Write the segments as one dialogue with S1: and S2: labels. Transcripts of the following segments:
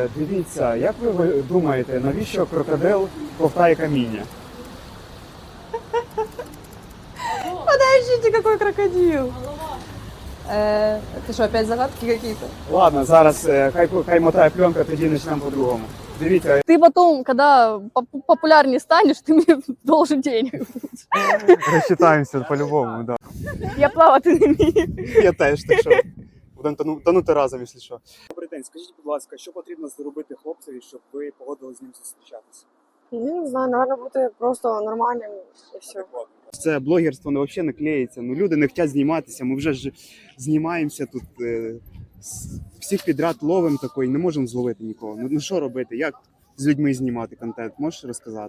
S1: Дивіться, як ви думаєте, навіщо крокодил ковтає каміння?
S2: Подождите, какой крокодил? Это что, опять загадки какие-то?
S1: Ладно, зараз хай мотає пленка, тоді почнемо по-другому. Дивіться,
S2: Ты потом, когда популярнее станешь, ты мне должен денег.
S1: розчитаємося по-любому, да.
S2: Я плавати не вмію.
S1: Я теж, так що будемо тонути разом, якщо що. Добрий день, скажіть, будь ласка, що потрібно зробити хлопцеві, щоб ви погодились з ним зустрічатися?
S3: Не знаю, наверное, бути просто нормальним і все.
S1: Це блогерство взагалі не клеїться. Ну, люди не хочуть зніматися, ми вже ж знімаємося тут, всіх підряд ловимо такої, не можемо зловити нікого. Ну що робити, як з людьми знімати контент, можеш розказати?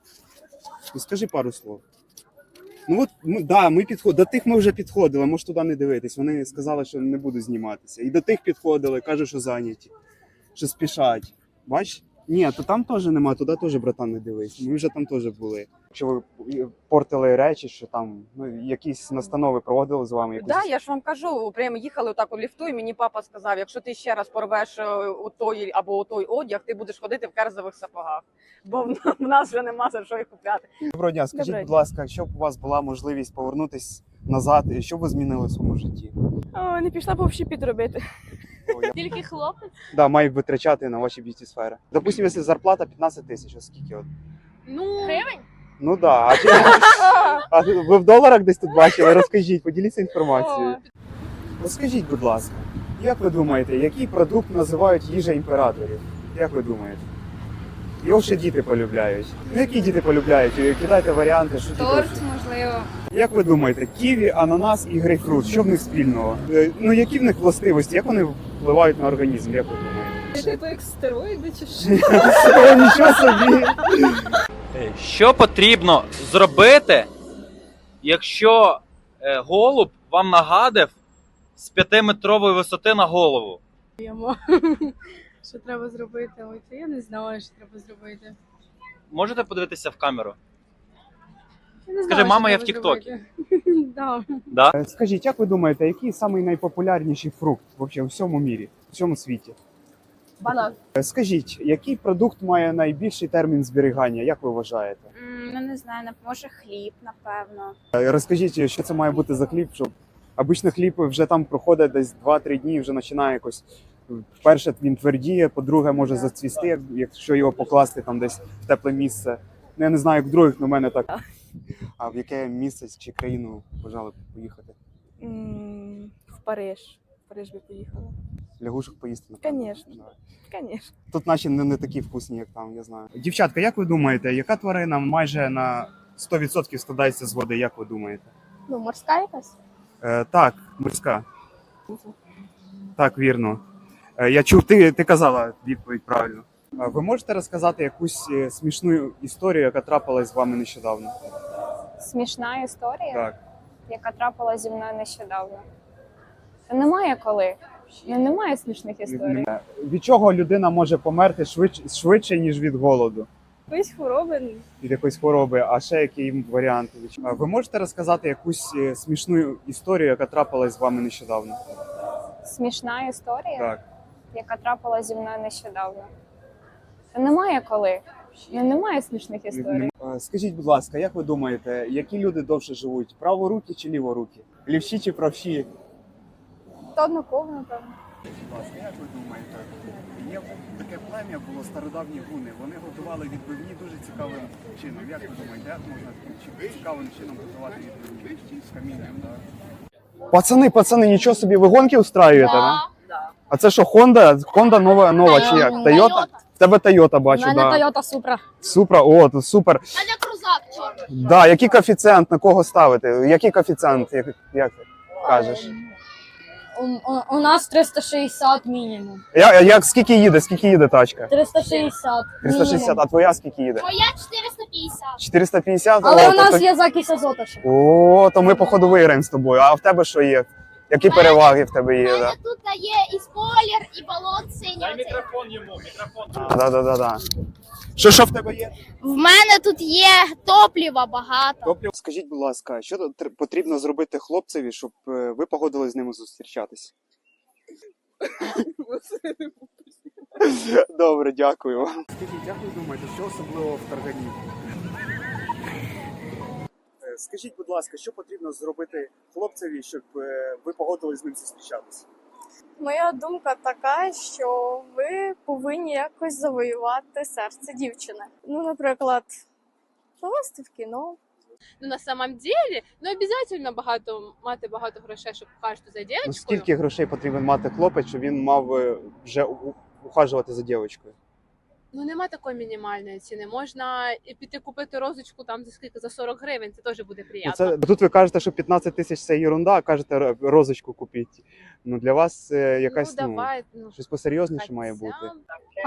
S1: Ну скажи пару слов. Ну от, да, до тих ми вже підходили, можеш туди не дивитись. Вони сказали, що не будуть зніматися. І до тих підходили, кажуть, що зайняті, що спішать. Бач? Ні, то там теж нема, туди теж, братан, не дивись. Ми вже там теж були. Якщо ви портили речі, що там якісь настанови проводили з вами?
S4: Так, я ж вам кажу, прямо їхали отак у ліфту, і мені папа сказав, якщо ти ще раз порвеш у той або у той одяг, ти будеш ходити в керзових сапогах, бо в нас вже нема за що їх купляти.
S1: Доброго дня, скажіть, будь ласка, якщо б у вас була можливість повернутися назад, що б ви змінили в своєму житті?
S2: Не пішла б общепіт робити.
S5: Тільки хлопець?
S1: Да, мають витрачати на ваші б'юті сфери. Допустим, якщо зарплата 15 тисяч, а скільки от?
S5: Ну, гривень?
S1: Ну да. А ви в доларах десь тут бачили? Розкажіть, поділіться інформацією. Розкажіть, будь ласка, як ви думаєте, який продукт називають їжа імператорів? Як ви думаєте? Його ще діти полюбляють. Ну, які діти полюбляють? Кидайте варіанти, що
S5: Торт, можливо.
S1: Як ви думаєте, ківі, ананас і грейпфрут, що в них спільного? Ну, які в них властивості, як вони впливають на організм, як ви думаєте?
S2: Типу як стероїди чи що?
S1: О, нічого собі!
S6: Що потрібно зробити, якщо голуб вам нагадив з 5-метрової висоти на голову?
S5: Що треба зробити? Ой, це я не знаю, що треба зробити.
S6: Можете подивитися в камеру?
S5: Я не
S6: Скажи,
S5: знаю,
S6: мама,
S5: що
S6: я в
S5: треба
S6: Тіктокі.
S5: зробити. Да.
S6: Да?
S1: Скажіть, як ви думаєте, який самий найпопулярніший фрукт вообще у всьому мірі, у всьому світі?
S2: Банан.
S1: Скажіть, який продукт має найбільший термін зберігання, як ви вважаєте?
S5: Ну, не знаю, може хліб, напевно.
S1: Розкажіть, що це має бути за хліб, щоб обично хліб вже там проходить десь 2-3 дні, вже починає якось. Перше, він твердіє, по-друге, може зацвісти, якщо його покласти там десь в тепле місце. Ну, я не знаю, як в других, але в мене так. А в яке місце чи країну бажали поїхати?
S2: В Париж. В Париж би поїхала.
S1: Лягушок поїсти, напевно.
S2: Конечно. Конечно.
S1: Тут наші не такі вкусні, як там, я знаю. Дівчатка, як ви думаєте, яка тварина майже на 100% складається з води, як ви думаєте?
S5: Ну, морська якась?
S1: Так, морська. Так, вірно. Я чув, ти казала відповідь правильно. Ви можете розказати якусь смішну історію, яка трапилась з вами нещодавно?
S7: Смішна історія,
S1: Так.
S7: яка трапилася зі мною нещодавно. Та немає коли. Немає смішних історій.
S1: Від чого людина може померти швидше, ніж від голоду?
S2: Якоїсь хвороби.
S1: Від якоїсь хвороби, а ще які варіанти? Ви можете розказати якусь смішну історію, яка трапилась з вами нещодавно?
S7: Смішна історія,
S1: Так.
S7: яка трапилася зі мною нещодавно. Та немає коли. Немає смішних історій.
S1: Скажіть, будь ласка, як ви думаєте, які люди довше живуть? Праворукі чи ліворукі? Лівші чи правші?
S7: То однаково, напевно.
S1: Будь ласка, як ви думаєте? Є таке плем'я було стародавні гуни. Вони готували відбивні дуже цікавим чином. Як ви думаєте, як можна цікавим чином готувати відбивні з камінням? Пацани, нічого собі, ви гонки устраюєте, да?
S4: Да.
S1: А це що, Honda нова чи як? Toyota? В тебе Toyota, бачу,
S2: У мене
S1: да.
S2: Toyota Supra.
S1: Supra, о, то супер.
S5: А не крузак, чорний.
S1: Да, який коефіцієнт, на кого ставити? Який коефіцієнт, як ти кажеш?
S2: У нас 360 мінімум.
S1: Скільки їде тачка?
S2: 360.
S1: 360, а твоя скільки їде?
S5: Моя 450.
S1: 450?
S2: Але
S1: О,
S2: у нас
S1: то-
S2: є закись азота ще.
S1: О, то ми походу виграємо з тобою. А в тебе що є? Які переваги в тебе
S5: У
S1: є?
S5: мене
S1: Да?
S5: тут є і спойлер, і балон синій.
S6: Мікрофон йому, мікрофон.
S1: Да. Що в тебе є?
S5: В мене тут є топлива багато.
S1: Топлів. Скажіть, будь ласка, що потрібно зробити хлопцеві, щоб ви погодились з ними зустрічатись? Добре, дякую. Скажіть, як ви думаєте, що особливо в таргані? Скажіть, будь ласка, що потрібно зробити хлопцеві, щоб ви погодились з ним зустрічатися?
S8: Моя думка така, що ви повинні якось завоювати серце дівчини. Ну, наприклад, повести в кіно.
S5: Ну, на самом деле, ну, обязательно мати багато грошей, щоб ухажувати за
S1: Ну,
S5: дівчинкою.
S1: скільки грошей потрібен мати хлопець, щоб він мав вже ухажувати за дівчинкою?
S5: Ну, нема такої мінімальної ціни. Можна і піти купити розочку там за скільки, за 40 гривень, це теж буде
S1: Ну,
S5: приємно.
S1: це, тут ви кажете, що 15 тисяч це ерунда, а кажете розочку купіть. Ну, для вас якась
S5: ну, давай, ну,
S1: щось посерйозніше має
S5: хоча
S1: бути.
S5: б